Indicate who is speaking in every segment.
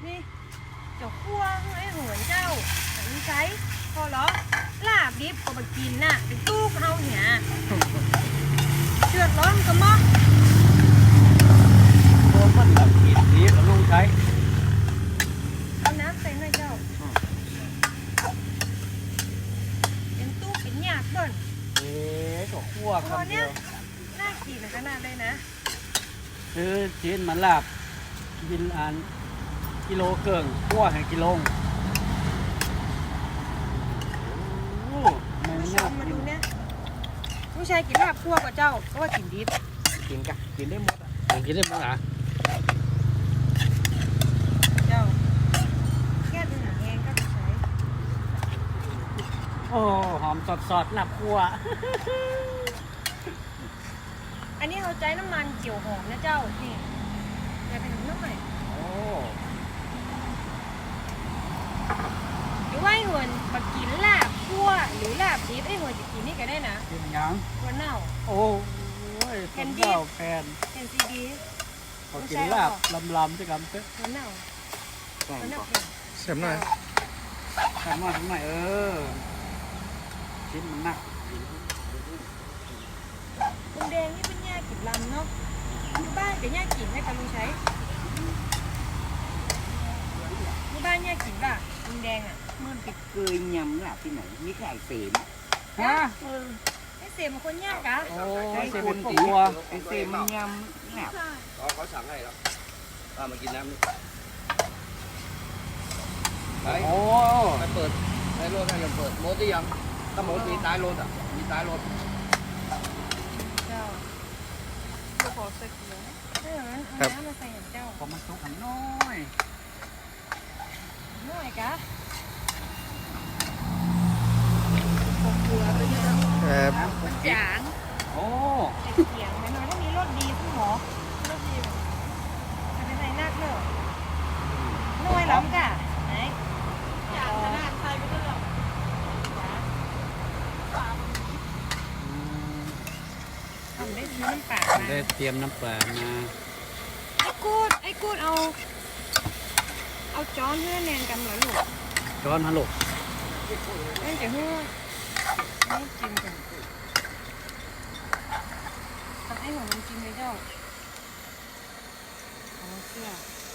Speaker 1: นี่เจ้าคั่วไอ้หัวเจ้าแต่ไม่ใช้พอเหรอลาบดิบก็มากินน่ะเป็นตู้เฮาเนี่ยเดือดร้อนก็มั้ง
Speaker 2: โดนมันแบบกินนี้กับลุงใช้
Speaker 1: เอาน้ำใส่หน่อยเจ้าเป็นตู้เป็นหยาดก่อน
Speaker 2: ก็คั่ว
Speaker 1: พอ
Speaker 2: คำเดี
Speaker 1: เนี้
Speaker 2: ย
Speaker 1: ยว น่ากินขนาดเลยนะ
Speaker 2: คือชิ้นมันลาบกินอันกิโลเกิงคั่วให้กิโลโอ้ไม่
Speaker 1: ผู้ช
Speaker 2: ยาม ก
Speaker 1: มา
Speaker 2: กิ
Speaker 1: ดู
Speaker 2: น
Speaker 1: เนี่ยผู้ชายกินลาบคั่วกับเจ้าเพราะว่ากินดิบ
Speaker 3: กินกะกินได้หมดอ่ะ
Speaker 2: มันกินได้มั้งอ่ะ
Speaker 1: เจ้าแก้ปัญหาแห้งก็ไปใช้
Speaker 2: โอ้หอมสดๆลาบคั่ว
Speaker 1: อันนี้เขาใจน้ำมันเจียวหอมนะเจ้านี่อย่าเป็นน้ำใหม่
Speaker 2: โอ้
Speaker 1: หรือว่าไอ้หัวมากินลาบคั่วหรือลาบดิบไอ้หัวจะกินนี่ก็ได้นะ
Speaker 2: กินยัง
Speaker 1: หัวเน่า
Speaker 2: โอ้ย
Speaker 1: แผ่
Speaker 2: คน
Speaker 1: นดิบ
Speaker 2: เจ้าแฟน
Speaker 1: เป็นซีดี
Speaker 2: พอกินลาบลำๆจะกำเต๊ะ
Speaker 1: หัวเน่า
Speaker 3: แกง
Speaker 1: หัวเน่า
Speaker 3: ก่อน
Speaker 1: เป็น
Speaker 3: เสริมหน่อย
Speaker 2: ทำมาทำไมชิ้นมันหนัก
Speaker 1: คุณแดงนี่เป็นย่ากินลำเนาะอยู่บ้านเป็นย่ากินให้กับลุงใช้อยู่บ้านย่ากินป่ะคุณแดงอ่ะ
Speaker 3: มันไปเกยยำหลับที่ไหนมีไก่เสม
Speaker 2: ฮะ
Speaker 1: ไอ้เสียมันคนยากอะ
Speaker 2: โอ้ยเซเป็นตัว
Speaker 3: ไอ้เสมมันยำหลับ
Speaker 4: เขาสั่งให้แล้วมากินน้ำนี่ไป
Speaker 2: โอ้
Speaker 4: ไปเปิดในรถให้ยังเปิดโมดได้ยังถ้าโมดมีท้ายรถอ่ะมีท้ายรถ
Speaker 1: เจ้าจะขอใส่เกลือเออมันเอาน้ำมาใส่อย่างเจ้า
Speaker 2: ผมมันสุกอันน้อย
Speaker 1: หน่อยกะขอเกลือไปเยอะ
Speaker 2: ครับ
Speaker 1: จาง
Speaker 2: โอ้
Speaker 1: ใส่เสียงไหมน้อยถ้ามีรสดีคุณหมอรสดีจะไปใส่นักเนอะน้อยล้ำกะไหนจางขนาดใส่ไปด้วยหรอทำได้ซื้อน้ำปลามา
Speaker 2: ได้เตรียมน้ำปลามา
Speaker 1: ไอ้กูดเอาจ้อนเพื่อแนนกันเหรอลูก
Speaker 2: ช้อนฮัลโหล
Speaker 1: เอ้ยเดี๋ยวเพื่อให้จิ้มกันตักให้หัวมันจิ้มเลยเจ้าเอาเสื้อ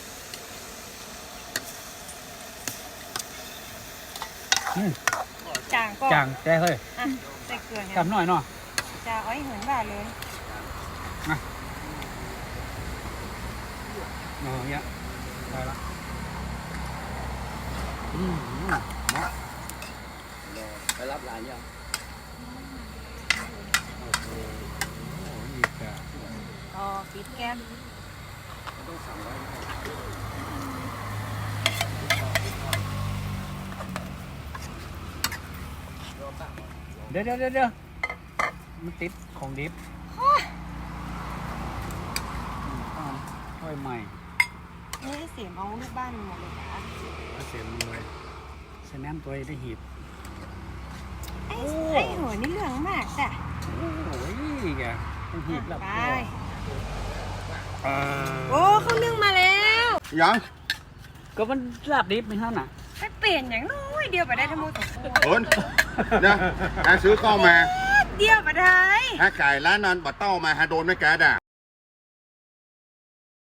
Speaker 1: จางก็
Speaker 2: จางแต่เฮ้ย
Speaker 1: อ่ะใส่เกลือเนี่ย
Speaker 2: กำหน่อยเนาะ
Speaker 1: จะเอาให้เหมือนบ่าเลย
Speaker 2: อ๋อเนี้ยได้ละอืมเนาะ
Speaker 4: ไปรับหลานยัง
Speaker 2: โอ้ยกะ
Speaker 1: อ๋อปิดแก๊ส
Speaker 4: ต้องสั่งไว้
Speaker 2: เดี๋ยวมันติดของดิบค่อยใหม่
Speaker 1: นี่ให้เสียมเอาลูกบ้านหมดเลยนะ
Speaker 2: เอาเสียมเลยใส่น้ำตัวได้หีบ
Speaker 1: ไอ้หัวนี่เหลืองมากจ้ะ
Speaker 2: โอ้ยแกต้องหีบแล้ว
Speaker 1: ไป
Speaker 2: อ่า
Speaker 1: โอ้เขานึ่งมาแล้ว
Speaker 4: ยัง
Speaker 2: ก็มันลาบดิบไม่เท่าน่ะ
Speaker 1: ไปเปลี่ยนอย่างน้อยเดียวไปได้ทั้งหมด
Speaker 4: โอนนะฮะซื้อข้าวมา
Speaker 1: เดียวไปได้
Speaker 4: ฮะไก่ร้านนั้นบัดเต้ามาฮะโดนไม่แก๊สอ่ะ